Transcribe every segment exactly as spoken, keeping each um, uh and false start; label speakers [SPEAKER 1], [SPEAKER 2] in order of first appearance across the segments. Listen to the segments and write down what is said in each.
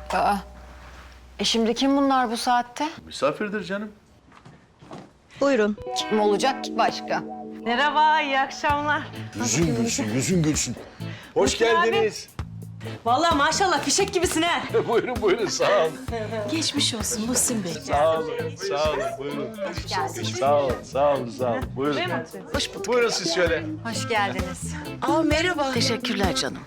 [SPEAKER 1] Aa, e şimdi kim bunlar bu saatte?
[SPEAKER 2] Misafirdir canım.
[SPEAKER 3] Buyurun.
[SPEAKER 1] Kim olacak ki başka?
[SPEAKER 4] Merhaba, iyi akşamlar.
[SPEAKER 2] Yüzün gülsün, yüzün gülsün. Hoş geldiniz.
[SPEAKER 4] Vallahi maşallah fişek gibisin ha.
[SPEAKER 2] Buyurun, buyurun. Sağ olun.
[SPEAKER 3] Geçmiş olsun Muhsin Bey.
[SPEAKER 2] Sağ olun, sağ olun. Buyurun. Sağ olun, sağ olun, sağ olun. Buyurun.
[SPEAKER 1] Hoş bulduk.
[SPEAKER 2] Buyurun siz şöyle.
[SPEAKER 1] Hoş geldiniz.
[SPEAKER 3] Aa merhaba.
[SPEAKER 1] Teşekkürler canım.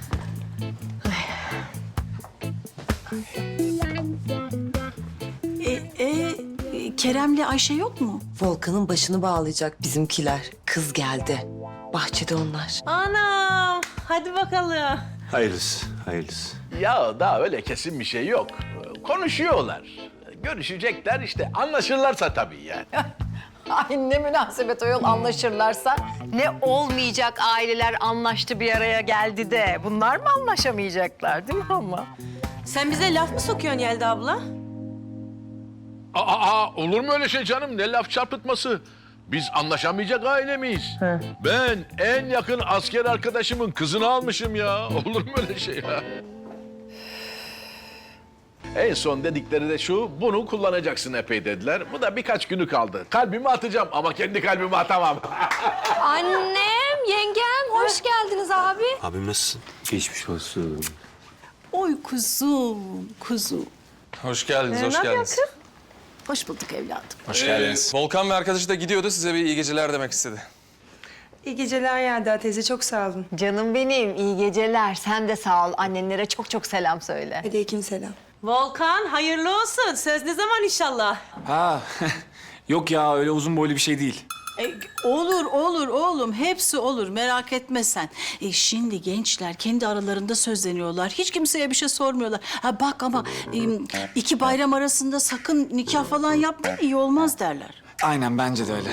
[SPEAKER 3] E, e, Kerem'le Ayşe yok mu?
[SPEAKER 5] Volkan'ın başını bağlayacak bizimkiler. Kız geldi. Bahçede onlar.
[SPEAKER 4] Anam, hadi bakalım.
[SPEAKER 6] Hayırlısı, hayırlısı.
[SPEAKER 2] Ya daha öyle kesin bir şey yok. Konuşuyorlar. Görüşecekler işte. Anlaşırlarsa tabii yani.
[SPEAKER 1] Ay ne münasebet o yol anlaşırlarsa. Ne olmayacak aileler anlaştı bir araya geldi de. Bunlar mı anlaşamayacaklar değil mi ama?
[SPEAKER 4] Sen bize laf mı sokuyorsun Yelda abla?
[SPEAKER 2] Aa, aa, olur mu öyle şey canım? Ne laf çarpıtması? Biz anlaşamayacak aile miyiz? Ben en yakın asker arkadaşımın kızını almışım ya. Olur mu öyle şey ya? En son dedikleri de şu, bunu kullanacaksın epey dediler. Bu da birkaç günü kaldı. Kalbimi atacağım ama kendi kalbimi atamam.
[SPEAKER 7] Annem, yengem, hoş geldiniz abi.
[SPEAKER 6] Abim nasılsın? Geçmiş olsun.
[SPEAKER 3] Oy kuzum, kuzum.
[SPEAKER 8] Hoş geldiniz, hoş
[SPEAKER 4] ne
[SPEAKER 8] geldiniz.
[SPEAKER 3] Hoş bulduk evladım.
[SPEAKER 8] Hoş geldiniz. Volkan ve arkadaşı da gidiyordu, size bir iyi geceler demek istedi.
[SPEAKER 9] İyi geceler Yelda teyze, çok sağ olun.
[SPEAKER 1] Canım benim iyi geceler. Sen de sağ ol. Annenlere çok çok selam söyle.
[SPEAKER 9] Aleyküm selam.
[SPEAKER 4] Volkan, hayırlı olsun. Söz ne zaman inşallah?
[SPEAKER 10] Ha, yok ya öyle uzun boylu bir şey değil.
[SPEAKER 3] E, olur, olur oğlum. Hepsi olur. Merak etme sen. E, şimdi gençler kendi aralarında sözleniyorlar. Hiç kimseye bir şey sormuyorlar. Ha bak ama e, iki bayram arasında sakın nikah falan yapmayın, iyi olmaz derler.
[SPEAKER 10] Aynen bence de öyle.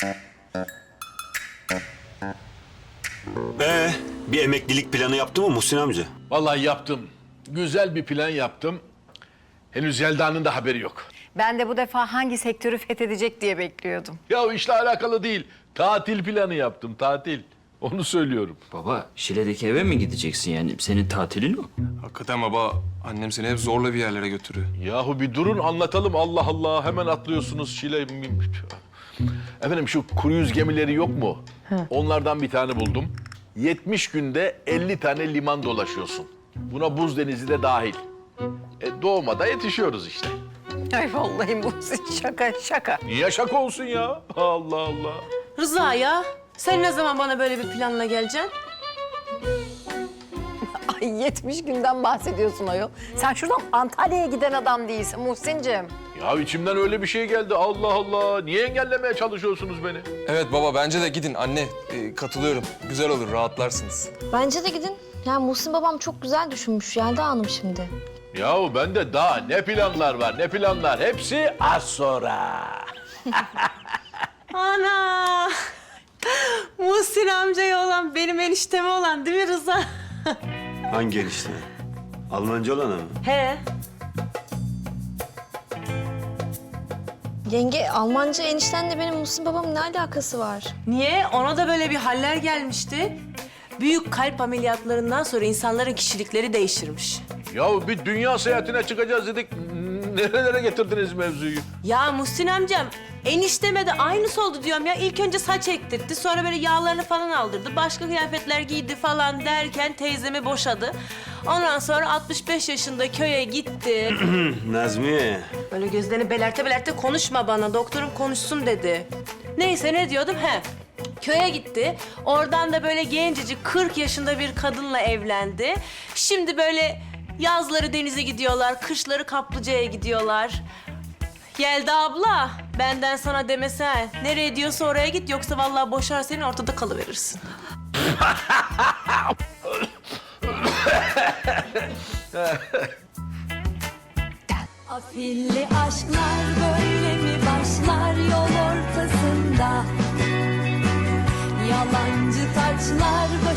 [SPEAKER 6] Ee, bir emeklilik planı yaptı mı Muhsin amca?
[SPEAKER 2] Vallahi yaptım. Güzel bir plan yaptım. Henüz Yelda'nın da haberi yok.
[SPEAKER 1] Ben de bu defa hangi sektörü fethedecek diye bekliyordum.
[SPEAKER 2] Ya o işle alakalı değil. Tatil planı yaptım, tatil. Onu söylüyorum.
[SPEAKER 11] Baba, Şile'deki eve mi gideceksin yani? Senin tatilin o.
[SPEAKER 8] Hakikaten baba, annem seni hep zorla bir yerlere götürüyor.
[SPEAKER 2] Yahu bir durun anlatalım Allah Allah. Hemen atlıyorsunuz Şile. Efendim şu kuru yüz gemileri yok mu? Onlardan bir tane buldum. yetmiş günde elli tane liman dolaşıyorsun. Buna buz denizi de dahil. E, doğmada yetişiyoruz işte.
[SPEAKER 1] Ay vallahi bu şaka şaka.
[SPEAKER 2] Niye şaka olsun ya? Allah Allah.
[SPEAKER 4] Rıza ya, sen ne zaman bana böyle bir planla geleceksin?
[SPEAKER 1] Ay yetmiş günden bahsediyorsun ayol. Sen şuradan Antalya'ya giden adam değilsin Muhsin'cim.
[SPEAKER 2] Ya içimden öyle bir şey geldi. Allah Allah. Niye engellemeye çalışıyorsunuz beni?
[SPEAKER 8] Evet baba, bence de gidin anne. Ee, katılıyorum. Güzel olur, rahatlarsınız.
[SPEAKER 7] Bence de gidin. Yani Muhsin babam çok güzel düşünmüş Yelda Hanım şimdi.
[SPEAKER 2] Yahu bende daha ne planlar var, ne planlar. Hepsi az sonra.
[SPEAKER 4] Ana! Muhsin amcaya olan, benim enişteme olan değil mi Rıza?
[SPEAKER 6] Hangi enişte? Almanca olan mı?
[SPEAKER 4] He.
[SPEAKER 7] Yenge, Almanca eniştenle benim Muhsin babamın ne alakası var?
[SPEAKER 4] Niye? Ona da böyle bir haller gelmişti. Büyük kalp ameliyatlarından sonra insanların kişilikleri değişirmiş.
[SPEAKER 2] Yahu bir dünya seyahatine çıkacağız dedik. Nerelere getirdiniz mevzuyu?
[SPEAKER 4] Ya Muhsin amcam, enişteme de aynısı oldu diyorum ya. İlk önce saç ektirtti, sonra böyle yağlarını falan aldırdı. Başka kıyafetler giydi falan derken teyzemi boşadı. Ondan sonra altmış beş yaşında köye gitti.
[SPEAKER 6] Nazmiye.
[SPEAKER 4] Böyle gözlerini belerte belerte konuşma bana, doktorum konuşsun dedi. Neyse ne diyordum? He. Köye gitti. Oradan da böyle gencecik kırk yaşında bir kadınla evlendi. Şimdi böyle yazları denize gidiyorlar, kışları kaplıcaya gidiyorlar. Yelda abla, benden sana demesen. Nereye diyorsa oraya git, yoksa vallahi boşar seni, ortada kalıverirsin.
[SPEAKER 12] Afilli aşklar böyle mi başlar yol ortasında? Yalancı taçlar böyle